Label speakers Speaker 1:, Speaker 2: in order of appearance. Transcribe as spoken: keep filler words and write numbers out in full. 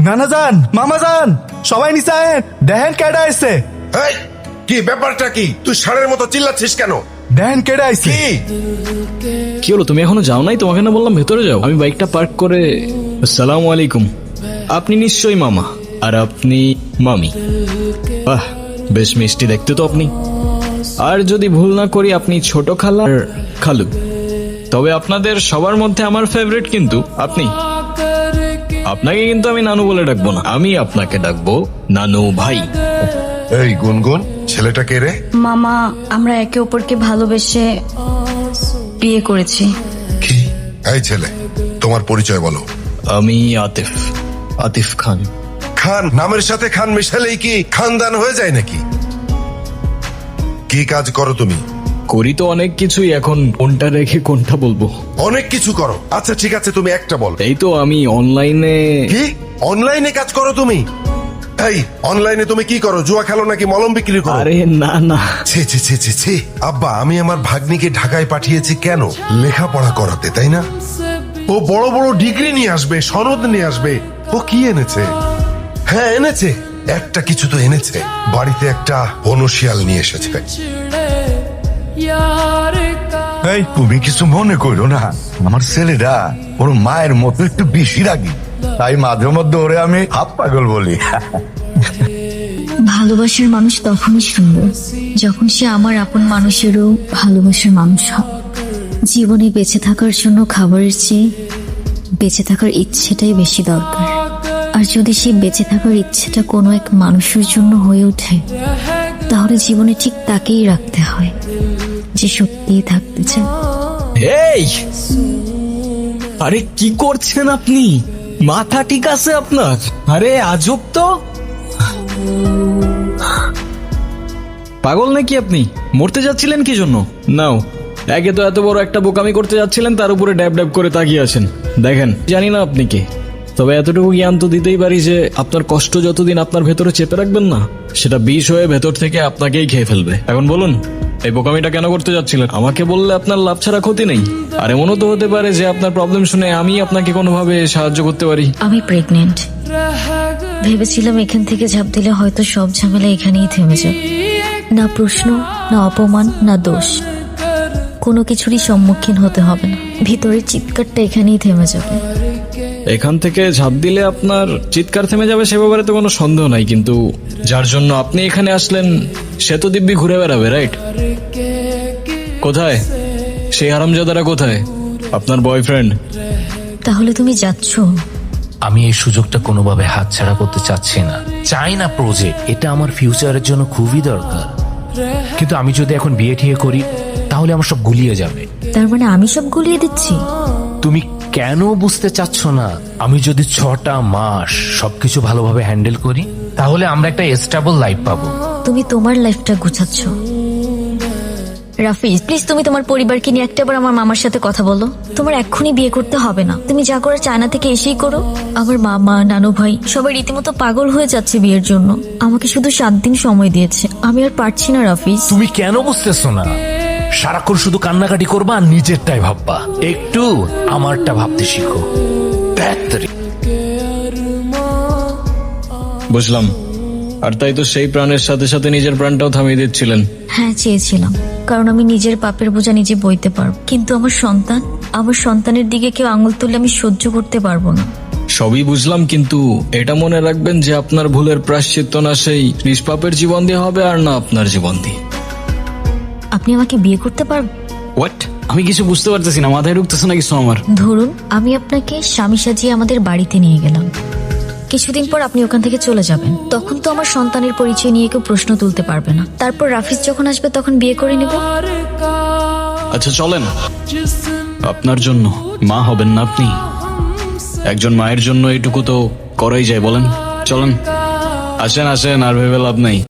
Speaker 1: নানা যান, মামা যান, সবাই নিচে আয়েন, দেখেন কেডা আইছে।
Speaker 2: এই, কি ব্যাপারটা কি? তুই ষাঁড়ের মতো চিল্লাচ্ছিস কেন?
Speaker 1: দেখেন কেডা আইছে।
Speaker 2: কি
Speaker 3: কি হলো, তুমি এখনো যাও নাই? তোমাকে না বললাম ভেতরে যাও। আমি বাইকটা পার্ক করে। আসসালামু আলাইকুম। আপনি নিশ্চয়ই মামা, আর আপনি মামি। বাহ, বেশ মিষ্টি দেখতে তো আপনি। আর যদি ভুল না করি আপনি ছোট খালা আর খালু। তবে আপনাদের সবার মধ্যে আমার ফেভারিট কিন্তু আপনি। আপনাকে কিন্তু আমি নানু বলে ডাকবো না, আমি আপনাকে ডাকবো নানু ভাই।
Speaker 2: এই গুনগুন, ছেলেটা কে রে?
Speaker 4: মামা, আমরা একে অপরকে ভালোবেসে বিয়ে করেছি।
Speaker 2: কি? এই ছেলে, তোমার পরিচয় বলো।
Speaker 3: আমি আতিফ, আতিফ খান।
Speaker 2: খান নামের সাথে খান মিশালেই কি খানদান হয়ে যায় নাকি? কি কাজ করো তুমি?
Speaker 3: করি তো অনেক কিছুই, এখন কোনটা রেখে কোনটা বলবো?
Speaker 2: অনেক কিছু করো। আচ্ছা ঠিক আছে, তুমি একটা বল।
Speaker 3: এই তো আমি অনলাইনে।
Speaker 2: কি অনলাইনে কাজ করো তুমি? এই অনলাইনে তুমি কি করো? জুয়া খেলো নাকি মলম বিক্রি করো?
Speaker 3: আরে না না,
Speaker 2: ছি ছি ছি ছি ছি। আব্বা, আমি আমার ভাগ্নিকে ঢাকায় পাঠিয়েছি কেন? লেখাপড়া করাতে, তাই না? ও বড় বড় ডিগ্রি নিয়ে আসবে, সনদ নিয়ে আসবে। ও কি এনেছে? হ্যাঁ এনেছে, একটা কিছু তো এনেছে। বাড়িতে একটা বনশিয়াল নিয়ে এসেছে।
Speaker 5: এই তুমি কিছু মনে করো না, আমার ছেলেটা ওর মায়ের মতো একটু বেশি রাগি, তাই মাঝে মধ্যে ওরে আমি হাফ পাগল বলি।
Speaker 4: ভালোবাসার মানুষ তখনই সুন্দর যখন সে আমার আপন মানুষেরও ভালোবাসার মানুষ হয়। জীবনে বেঁচে থাকার জন্য খাবারের চেয়ে বেঁচে থাকার ইচ্ছেটাই বেশি দরকার। আর যদি সেই বেঁচে থাকার ইচ্ছেটা কোনো এক মানুষের জন্য হয়ে ওঠে, তাহলে জীবনে ঠিক তাকেই রাখতে হয় যে সত্যিই থাকতে চায়।
Speaker 3: এই আরে কি করছেন আপনি? মাথা ঠিক আছে আপনার? আরে আজব তো, পাগল নাকি আপনি? মরতে যাচ্ছিলেন কি জন্য? নাও, একে তো এত বড় একটা বোকামি করতে যাচ্ছিলেন, তার উপরে ড্যাব ড্যাব করে তাকিয়ে আছেন। দেখেন, জানি না আপনি কে, তবে এতটুকু জ্ঞান তো দিতেই পারি যে আপনার কষ্ট যতদিন আপনার ভেতরে চেপে রাখবেন না, সেটা বিষ হয়ে ভেতর থেকে আপনাকেই খেয়ে ফেলবে। এখন বলুন, এই বোকামিটা কেন করতে যাচ্ছিলেন? আমাকে বললে আপনার লাভ ছাড়া ক্ষতি নেই। আর এমনও তো হতে পারে যে আপনার প্রবলেম শুনে আমি আপনাকে কোনোভাবে সাহায্য করতে পারি।
Speaker 4: আমি প্রেগনেন্ট। ভেবেছিলাম এখান থেকে ঝাঁপ দিলে হয়তো সব ঝামেলা এখানেই থেমে যাবে। না প্রশ্ন, না অপমান, না দোষ, কোনো কিছুরই সম্মুখীন হতে হবে না। ভিতরের চিৎকারটা এখানেই থেমে যাবে।
Speaker 3: এখান থেকে ঝাঁপ দিলে আপনার চিৎকার থেমে যাবে সে ব্যাপারে তো কোনো সন্দেহ নাই, কিন্তু যার জন্য আপনি এখানে আসলেন সে তো দিব্যি ঘুরে বেড়াবে, রাইট? কোথায় সেই হারামজাদারা? কোথায় আপনার বয়ফ্রেন্ড?
Speaker 4: তাহলে তুমি যাচ্ছ?
Speaker 6: আমি এই সুযোগটা কোনোভাবে হাতছাড়া করতে চাচ্ছি না। চাই না প্রজেক্ট, এটা আমার ফিউচারের জন্য খুবই দরকার। কিন্তু আমি যদি এখন বিয়ে ঠিয়ে করি তাহলে আমার সব গুলিয়ে যাবে।
Speaker 4: তার মানে আমি সব গুলিয়ে দিচ্ছি?
Speaker 6: তুমি কেন বুঝতে চাচ্ছ না? আমি যদি ছটা মাস সবকিছু ভালোভাবে হ্যান্ডেল করি তাহলে আমরা একটা স্টেবল লাইফ পাবো।
Speaker 4: তুমি তোমার লাইফটা গুছাচ্ছ। রাফিজ, প্লিজ তুমি তোমার পরিবারকে নিয়ে একটাবার আমার মামার সাথে কথা বলো। তোমার এক্ষুনি বিয়ে করতে হবে না, তুমি যা করার চায়না থেকে এসেই করো। আমার মামা, নানু ভাই সবাই রীতিমতো পাগল হয়ে যাচ্ছে বিয়ের জন্য। আমাকে শুধু সাত দিন সময় দিয়েছে, আমি আর পারছি না রাফিজ।
Speaker 6: তুমি কেন বুঝতেছো না? সারাক্ষণ শুধু কান্নাকাটি করবা আর নিজেরটাই ভাববা। একটু আমারটা ভাবতে শিখো। ধ্যাত্তেরি।
Speaker 3: বুঝলাম। আর তাই তো সেই প্রাণের সাথে সাথে নিজের প্রাণটাও থামিয়ে দিচ্ছিলেন।
Speaker 4: হ্যাঁ, চেয়েছিলাম, কারণ আমি নিজের পাপের বোঝা নিজে বইতে পারবো। কিন্তু আমার সন্তান, আমার সন্তানের দিকে কেউ আঙুল তুললে আমি সহ্য করতে পারবো না।
Speaker 3: সবই বুঝলাম, কিন্তু এটা মনে রাখবেন যে আপনার ভুলের প্রায়শ্চিত্ত না সেই নিষ্পাপের জীবন দিয়ে হবে, আর না আপনার জীবন দিয়ে।
Speaker 4: আপনি আমাকে বিয়ে করতে পারবেন?
Speaker 3: হোয়াট? আমি কিছু বুঝতে পারতেছি না, মাথায় ঢুকতেছে না কিছু আমার।
Speaker 4: ধরুন আমি আপনাকে স্বামী সাজিয়ে আমাদের বাড়িতে নিয়ে গেলাম, কিছুদিন পর আপনি ওখান থেকে চলে যাবেন। তখন তো আমার সন্তানের পরিচয় নিয়ে কেউ প্রশ্ন তুলতে পারবে না। তারপর রাফিজ যখন আসবে তখন বিয়ে করে নেব।
Speaker 3: আচ্ছা চলেন, আপনার জন্য মা হবেন না আপনি? একজন মায়ের জন্য এইটুকু তো করাই যায়, বলেন? চলেন, আসেন আসেন, আর ভেবে লাভ নাই।